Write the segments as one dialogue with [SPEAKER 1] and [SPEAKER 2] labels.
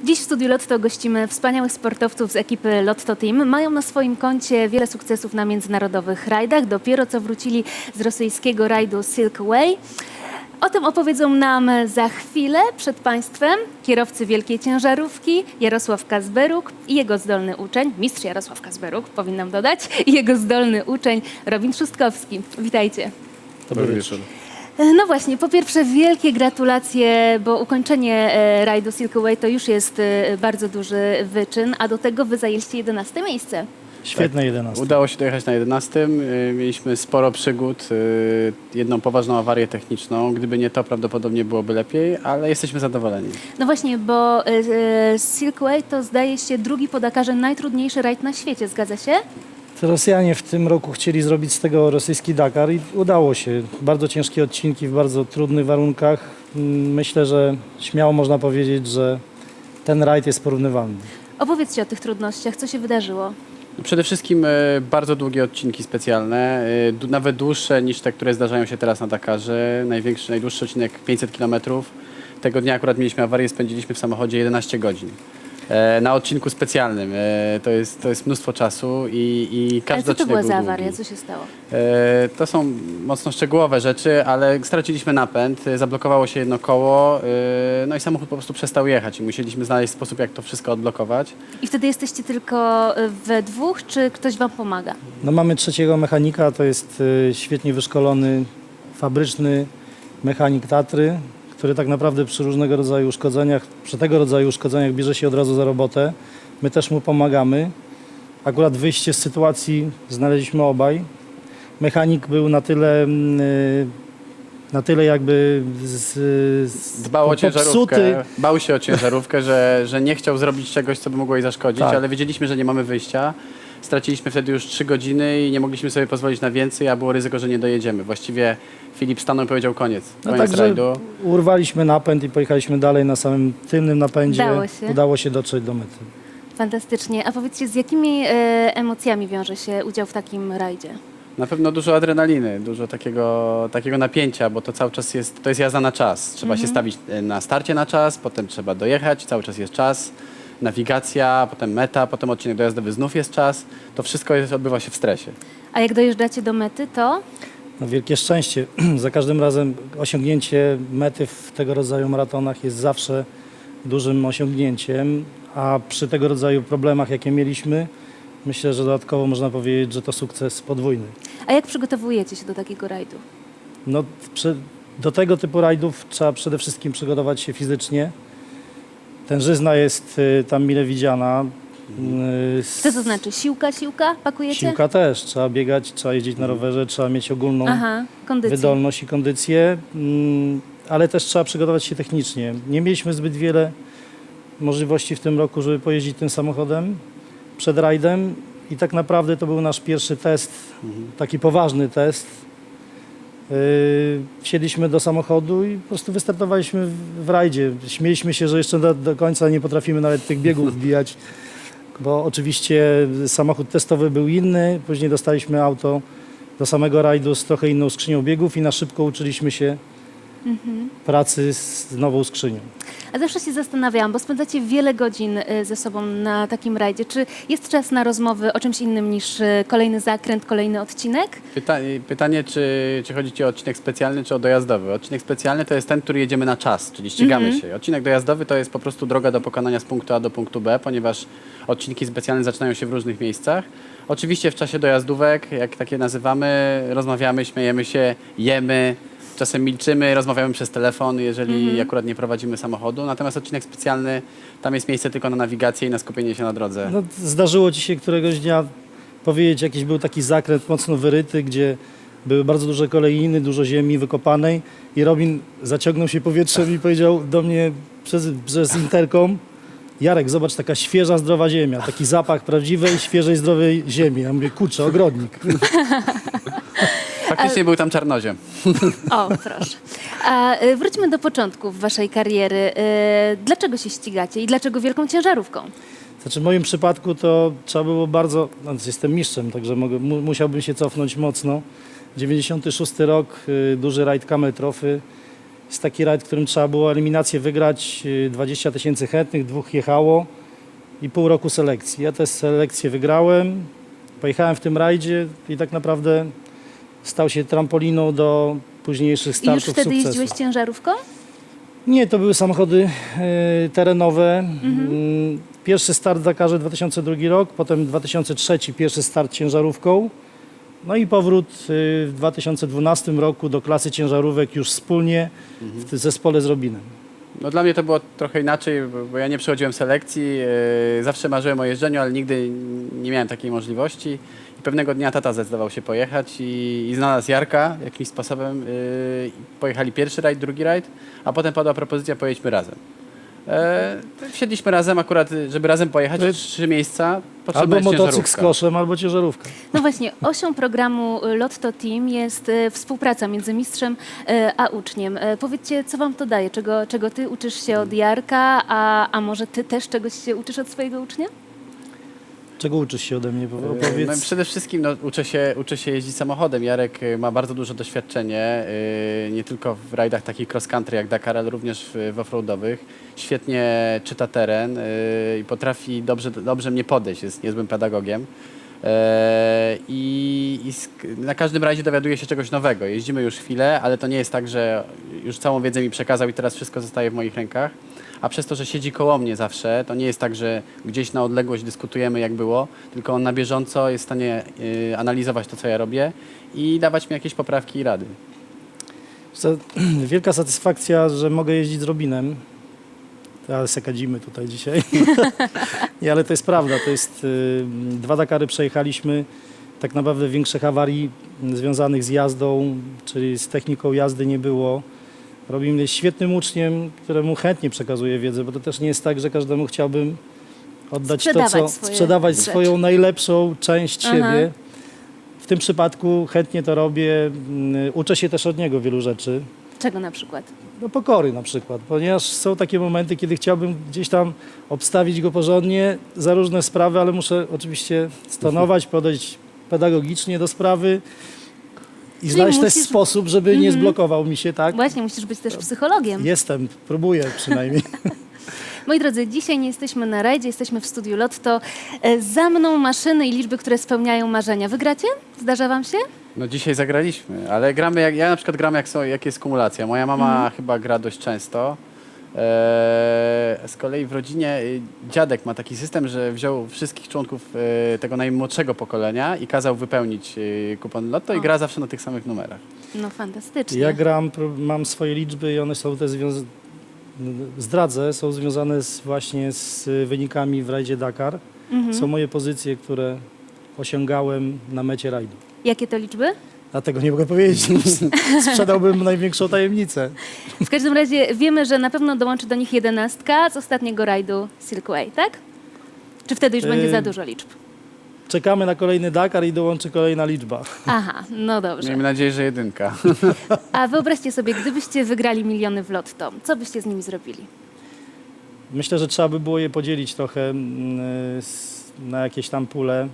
[SPEAKER 1] Dziś w studiu Lotto gościmy wspaniałych sportowców z ekipy Lotto Team. Mają na swoim koncie wiele sukcesów na międzynarodowych rajdach. Dopiero co wrócili z rosyjskiego rajdu Silk Way. O tym opowiedzą nam za chwilę przed Państwem kierowcy wielkiej ciężarówki Jarosław Kazberuk i jego zdolny uczeń, mistrz Jarosław Kazberuk, powinnam dodać, i jego zdolny uczeń Robin Trzustkowski. Witajcie.
[SPEAKER 2] Dobry wieczór.
[SPEAKER 1] No właśnie, po pierwsze wielkie gratulacje, bo ukończenie rajdu Silk Way to już jest bardzo duży wyczyn, a do tego wy zajęliście 11 miejsce.
[SPEAKER 2] Świetne 11.
[SPEAKER 3] Udało się dojechać na 11. Mieliśmy sporo przygód, jedną poważną awarię techniczną. Gdyby nie to, prawdopodobnie byłoby lepiej, ale jesteśmy zadowoleni.
[SPEAKER 1] No właśnie, bo Silk Way to zdaje się drugi po Dakarze najtrudniejszy rajd na świecie, zgadza się?
[SPEAKER 2] Rosjanie w tym roku chcieli zrobić z tego rosyjski Dakar i udało się. Bardzo ciężkie odcinki w bardzo trudnych warunkach. Myślę, że śmiało można powiedzieć, że ten rajd jest porównywalny.
[SPEAKER 1] Opowiedzcie o tych trudnościach, co się wydarzyło.
[SPEAKER 3] Przede wszystkim bardzo długie odcinki specjalne, nawet dłuższe niż te, które zdarzają się teraz na Dakarze. Najdłuższy odcinek 500 km. Tego dnia akurat mieliśmy awarię, spędziliśmy w samochodzie 11 godzin. Na odcinku specjalnym. To jest mnóstwo czasu i każdy
[SPEAKER 1] Ale co to
[SPEAKER 3] odcinek
[SPEAKER 1] była
[SPEAKER 3] był
[SPEAKER 1] za
[SPEAKER 3] długi.
[SPEAKER 1] awaria? Co się stało?
[SPEAKER 3] To są mocno szczegółowe rzeczy, ale straciliśmy napęd, zablokowało się jedno koło, no i samochód po prostu przestał jechać i musieliśmy znaleźć sposób, jak to wszystko odblokować.
[SPEAKER 1] I wtedy jesteście tylko we dwóch, czy ktoś wam pomaga?
[SPEAKER 2] No, mamy trzeciego mechanika, to jest świetnie wyszkolony, fabryczny mechanik Tatry, który tak naprawdę przy różnego rodzaju uszkodzeniach, przy tego rodzaju uszkodzeniach bierze się od razu za robotę. My też mu pomagamy. Akurat wyjście z sytuacji znaleźliśmy obaj. Mechanik był na tyle jakby
[SPEAKER 3] Dbał o ciężarówkę,
[SPEAKER 2] popsuty.
[SPEAKER 3] bał się o ciężarówkę, że nie chciał zrobić czegoś, co by mogło jej zaszkodzić,
[SPEAKER 2] Tak.
[SPEAKER 3] ale wiedzieliśmy, że nie mamy wyjścia. Straciliśmy wtedy już 3 godziny i nie mogliśmy sobie pozwolić na więcej, a było ryzyko, że nie dojedziemy. Właściwie Filip stanął i powiedział koniec
[SPEAKER 2] Także
[SPEAKER 3] rajdu.
[SPEAKER 2] urwaliśmy napęd i pojechaliśmy dalej na samym tylnym napędzie.
[SPEAKER 1] Udało się.
[SPEAKER 2] Udało się dotrzeć do mety.
[SPEAKER 1] Fantastycznie. A powiedzcie, z jakimi emocjami wiąże się udział w takim rajdzie?
[SPEAKER 3] Na pewno dużo adrenaliny, dużo takiego napięcia, bo to cały czas jest jazda na czas. Trzeba się stawić na starcie na czas, potem trzeba dojechać, cały czas jest czas, nawigacja, potem meta, potem odcinek dojazdowy, znów jest czas. To wszystko odbywa się w stresie.
[SPEAKER 1] A jak dojeżdżacie do mety, to
[SPEAKER 2] No, wielkie szczęście. Za każdym razem osiągnięcie mety w tego rodzaju maratonach jest zawsze dużym osiągnięciem, a przy tego rodzaju problemach, jakie mieliśmy, myślę, że dodatkowo można powiedzieć, że to sukces podwójny.
[SPEAKER 1] a jak przygotowujecie się do takiego rajdu?
[SPEAKER 2] No, do tego typu rajdów trzeba przede wszystkim przygotować się fizycznie. Tężyzna jest tam mile widziana.
[SPEAKER 1] Co to znaczy? Siłka? Pakujecie?
[SPEAKER 2] Siłka też. Trzeba biegać, trzeba jeździć na rowerze, trzeba mieć ogólną
[SPEAKER 1] Aha, kondycję.
[SPEAKER 2] wydolność i kondycję, ale też trzeba przygotować się technicznie. Nie mieliśmy zbyt wiele możliwości w tym roku, żeby pojeździć tym samochodem przed rajdem i tak naprawdę to był nasz pierwszy test, taki poważny test. Wsiedliśmy do samochodu i po prostu wystartowaliśmy w rajdzie. Śmieliśmy się, że jeszcze do końca nie potrafimy nawet tych biegów wbijać, bo oczywiście samochód testowy był inny, później dostaliśmy auto do samego rajdu z trochę inną skrzynią biegów i na szybko uczyliśmy się pracy z nową skrzynią.
[SPEAKER 1] A zawsze się zastanawiałam, bo spędzacie wiele godzin ze sobą na takim rajdzie. Czy jest czas na rozmowy o czymś innym niż kolejny zakręt, kolejny odcinek?
[SPEAKER 3] Pytanie, czy chodzi Ci o odcinek specjalny, czy o dojazdowy? Odcinek specjalny to jest ten, który jedziemy na czas, czyli ścigamy się. Odcinek dojazdowy to jest po prostu droga do pokonania z punktu A do punktu B, ponieważ odcinki specjalne zaczynają się w różnych miejscach. Oczywiście w czasie dojazdówek, jak takie nazywamy, rozmawiamy, śmiejemy się, jemy, czasem milczymy, rozmawiamy przez telefon, jeżeli akurat nie prowadzimy samochodu. Natomiast odcinek specjalny, tam jest miejsce tylko na nawigację i na skupienie się na drodze.
[SPEAKER 2] No, zdarzyło Ci się któregoś dnia powiedzieć, jakiś był taki zakręt mocno wyryty, gdzie były bardzo duże kolejiny, dużo ziemi wykopanej i Robin zaciągnął się powietrzem i powiedział do mnie przez interkom: Jarek, zobacz, taka świeża, zdrowa ziemia, taki zapach prawdziwej, świeżej, zdrowej ziemi. Ja mówię, kurczę, ogrodnik.
[SPEAKER 3] Faktycznie był tam czarnoziem.
[SPEAKER 1] O, proszę. A wróćmy do początków waszej kariery. Dlaczego się ścigacie i dlaczego wielką ciężarówką?
[SPEAKER 2] Znaczy w moim przypadku to trzeba było bardzo, no, jestem mistrzem, także musiałbym się cofnąć mocno. 96 rok, duży rajd Camel Trophy. Jest taki rajd, w którym trzeba było eliminację wygrać, 20 000 chętnych, 2 jechało i pół roku selekcji. Ja tę selekcję wygrałem, pojechałem w tym rajdzie i tak naprawdę stał się trampoliną do późniejszych
[SPEAKER 1] I już
[SPEAKER 2] startów
[SPEAKER 1] wtedy
[SPEAKER 2] sukcesu.
[SPEAKER 1] jeździłeś ciężarówką?
[SPEAKER 2] Nie, to były samochody terenowe. Pierwszy start w Dakarze 2002 rok, potem 2003 pierwszy start ciężarówką. No i powrót w 2012 roku do klasy ciężarówek już wspólnie w zespole z Robinem.
[SPEAKER 3] No dla mnie to było trochę inaczej, bo ja nie przechodziłem selekcji, zawsze marzyłem o jeżdżeniu, ale nigdy nie miałem takiej możliwości. I pewnego dnia tata zdecydował się pojechać i znalazł Jarka jakimś sposobem. Pojechali pierwszy rajd, drugi rajd, a potem padła propozycja, pojedźmy razem. Wsiedliśmy razem akurat, żeby razem pojechać, 3 miejsca, potrzebna
[SPEAKER 2] Albo
[SPEAKER 3] jest
[SPEAKER 2] motocykl z
[SPEAKER 3] ciężarówka.
[SPEAKER 2] koszem, albo ciężarówka.
[SPEAKER 1] No właśnie, osią programu Lotto Team jest współpraca między mistrzem a uczniem. Powiedzcie, co wam to daje? Czego ty uczysz się od Jarka, a może ty też czegoś się uczysz od swojego ucznia?
[SPEAKER 2] Czego uczysz się ode mnie?
[SPEAKER 3] No,
[SPEAKER 2] Opowiedz.
[SPEAKER 3] przede wszystkim uczę się jeździć samochodem. Jarek ma bardzo duże doświadczenie, nie tylko w rajdach takich cross country jak Dakar, ale również w offroadowych. Świetnie czyta teren i potrafi dobrze mnie podejść, jest niezłym pedagogiem. Na każdym rajdzie dowiaduje się czegoś nowego. Jeździmy już chwilę, ale to nie jest tak, że już całą wiedzę mi przekazał i teraz wszystko zostaje w moich rękach. A przez to, że siedzi koło mnie zawsze, to nie jest tak, że gdzieś na odległość dyskutujemy jak było, tylko on na bieżąco jest w stanie analizować to, co ja robię i dawać mi jakieś poprawki i rady.
[SPEAKER 2] Wielka satysfakcja, że mogę jeździć z Robinem. Ale se kadzimy tutaj dzisiaj. Nie, ale to jest prawda. To jest 2 Dakary przejechaliśmy. Tak naprawdę większych awarii związanych z jazdą, czyli z techniką jazdy nie było. Robin jest świetnym uczniem, któremu chętnie przekazuję wiedzę, bo to też nie jest tak, że każdemu chciałbym oddać sprzedawać
[SPEAKER 1] rzeczy.
[SPEAKER 2] swoją najlepszą część siebie. W tym przypadku chętnie to robię. Uczę się też od niego wielu rzeczy.
[SPEAKER 1] Czego na przykład?
[SPEAKER 2] No pokory na przykład, ponieważ są takie momenty, kiedy chciałbym gdzieś tam obstawić go porządnie za różne sprawy, ale muszę oczywiście stonować, podejść pedagogicznie do sprawy i znaleźć też sposób, żeby nie zblokował mi się, tak?
[SPEAKER 1] Właśnie, musisz być też psychologiem.
[SPEAKER 2] Jestem, próbuję przynajmniej.
[SPEAKER 1] Moi drodzy, dzisiaj nie jesteśmy na rajdzie, jesteśmy w studiu Lotto. Za mną maszyny i liczby, które spełniają marzenia. Wygracie? Zdarza wam się?
[SPEAKER 3] No dzisiaj zagraliśmy, ale gramy ja na przykład gram jak jest kumulacja. Moja mama chyba gra dość często. Z kolei w rodzinie dziadek ma taki system, że wziął wszystkich członków tego najmłodszego pokolenia i kazał wypełnić kupon Lotto i gra zawsze na tych samych numerach.
[SPEAKER 1] No fantastycznie.
[SPEAKER 2] Ja gram, mam swoje liczby i one są te zdradzę, są związane właśnie z wynikami w rajdzie Dakar. Są moje pozycje, które osiągałem na mecie rajdu.
[SPEAKER 1] Jakie to liczby?
[SPEAKER 2] Dlatego nie mogę powiedzieć. Sprzedałbym największą tajemnicę.
[SPEAKER 1] W każdym razie wiemy, że na pewno dołączy do nich 11 z ostatniego rajdu Silkway, tak? Czy wtedy już będzie za dużo liczb?
[SPEAKER 2] Czekamy na kolejny Dakar i dołączy kolejna liczba.
[SPEAKER 1] Aha, no dobrze.
[SPEAKER 3] Miejmy nadzieję, że 1.
[SPEAKER 1] A wyobraźcie sobie, gdybyście wygrali miliony w Lotto, co byście z nimi zrobili?
[SPEAKER 2] Myślę, że trzeba by było je podzielić trochę na jakieś tam pule.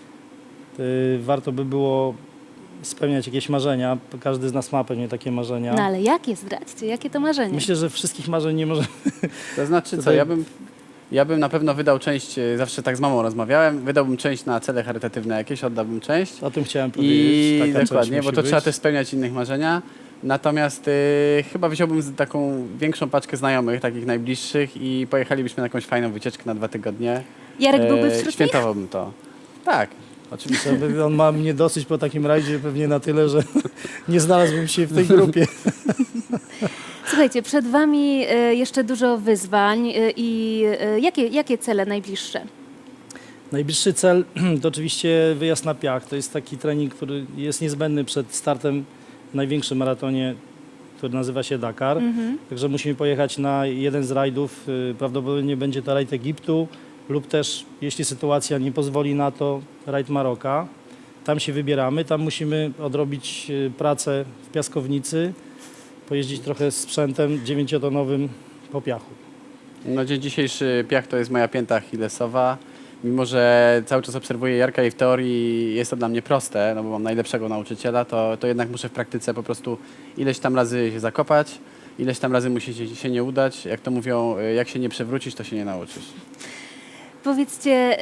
[SPEAKER 2] Warto by było spełniać jakieś marzenia. Każdy z nas ma pewnie takie marzenia.
[SPEAKER 1] No ale jakie, zdradźcie, jakie to marzenie?
[SPEAKER 2] Myślę, że wszystkich marzeń nie możemy.
[SPEAKER 3] To znaczy co,
[SPEAKER 2] Tutaj-
[SPEAKER 3] ja bym na pewno wydał część, zawsze tak z mamą rozmawiałem, wydałbym część na cele charytatywne jakieś, oddałbym część.
[SPEAKER 2] O tym chciałem powiedzieć. Taka część
[SPEAKER 3] Dokładnie,
[SPEAKER 2] musi
[SPEAKER 3] bo to
[SPEAKER 2] być.
[SPEAKER 3] trzeba też spełniać innych marzenia. Natomiast chyba wziąłbym taką większą paczkę znajomych, takich najbliższych i pojechalibyśmy na jakąś fajną wycieczkę na 2 tygodnie.
[SPEAKER 1] Jarek byłby wśród nich?
[SPEAKER 3] Świętowałbym to. Tak, oczywiście.
[SPEAKER 2] On ma mnie dosyć po takim rajdzie pewnie na tyle, że nie znalazłbym się w tej grupie.
[SPEAKER 1] Słuchajcie, przed wami jeszcze dużo wyzwań i jakie cele najbliższe?
[SPEAKER 2] Najbliższy cel to oczywiście wyjazd na piach. To jest taki trening, który jest niezbędny przed startem w największym maratonie, który nazywa się Dakar. Także musimy pojechać na jeden z rajdów. Prawdopodobnie będzie to rajd Egiptu lub też, jeśli sytuacja nie pozwoli na to, rajd Maroka. Tam się wybieramy. Tam musimy odrobić pracę w piaskownicy, pojeździć trochę z sprzętem 9-tonowym po piachu.
[SPEAKER 3] No dzień dzisiejszy piach to jest moja pięta achillesowa. Mimo że cały czas obserwuję Jarka i w teorii jest to dla mnie proste, no bo mam najlepszego nauczyciela, to jednak muszę w praktyce po prostu ileś tam razy się zakopać ileś tam razy musi się nie udać. Jak to mówią, jak się nie przewrócisz, to się nie nauczysz.
[SPEAKER 1] Powiedzcie,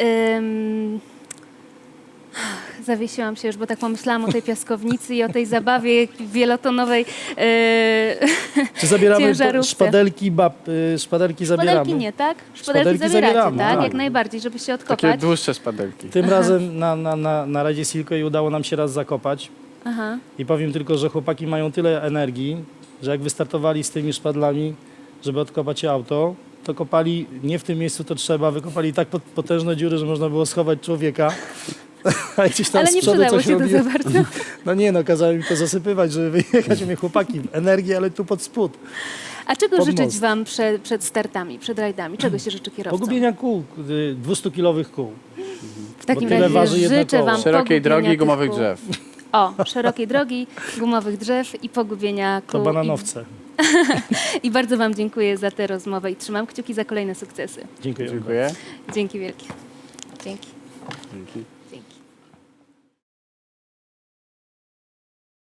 [SPEAKER 1] zawiesiłam się już, bo tak pomyślałam o tej piaskownicy i o tej zabawie wielotonowej
[SPEAKER 2] Czy zabieramy
[SPEAKER 1] ciężarówce.
[SPEAKER 2] szpadelki zabieramy?
[SPEAKER 1] Szpadelki nie, tak?
[SPEAKER 2] Szpadelki
[SPEAKER 1] zabieracie,
[SPEAKER 2] zabieramy,
[SPEAKER 1] tak?
[SPEAKER 2] tak.
[SPEAKER 1] Jak najbardziej, żeby się
[SPEAKER 3] Takie
[SPEAKER 1] odkopać.
[SPEAKER 3] dłuższe szpadelki.
[SPEAKER 2] Tym razem na Rajdzie Silkway udało nam się raz zakopać.
[SPEAKER 1] Aha.
[SPEAKER 2] I powiem tylko, że chłopaki mają tyle energii, że jak wystartowali z tymi szpadlami, żeby odkopać auto, to kopali nie w tym miejscu, to trzeba, wykopali tak potężne dziury, że można było schować człowieka. A gdzieś tam
[SPEAKER 1] Ale
[SPEAKER 2] z
[SPEAKER 1] nie
[SPEAKER 2] przodu
[SPEAKER 1] przydało
[SPEAKER 2] coś
[SPEAKER 1] się to
[SPEAKER 2] robiło.
[SPEAKER 1] za bardzo.
[SPEAKER 2] No nie, no kazałem mi to zasypywać, żeby wyjechać. Mówię, chłopaki, energii, ale tu pod spód.
[SPEAKER 1] A czego
[SPEAKER 2] Pod
[SPEAKER 1] życzyć
[SPEAKER 2] most.
[SPEAKER 1] wam przed startami, przed rajdami? Czego się życzy kierowcom?
[SPEAKER 2] Pogubienia kół, 200-kilowych kół.
[SPEAKER 1] W takim
[SPEAKER 2] bo tyle
[SPEAKER 1] razie
[SPEAKER 2] waży jedno
[SPEAKER 1] życzę
[SPEAKER 2] koło.
[SPEAKER 1] wam
[SPEAKER 3] Szerokiej
[SPEAKER 1] pogubienia
[SPEAKER 3] drogi,
[SPEAKER 1] tych
[SPEAKER 3] gumowych
[SPEAKER 1] kół.
[SPEAKER 3] drzew.
[SPEAKER 1] O, szerokiej drogi, gumowych drzew i pogubienia
[SPEAKER 2] To
[SPEAKER 1] kół.
[SPEAKER 2] bananowce.
[SPEAKER 1] I bardzo wam dziękuję za tę rozmowę i trzymam kciuki za kolejne sukcesy.
[SPEAKER 2] Dziękuję.
[SPEAKER 3] Dziękuję.
[SPEAKER 1] Dzięki wielkie. Dzięki.
[SPEAKER 3] Dzięki.
[SPEAKER 1] Dzięki.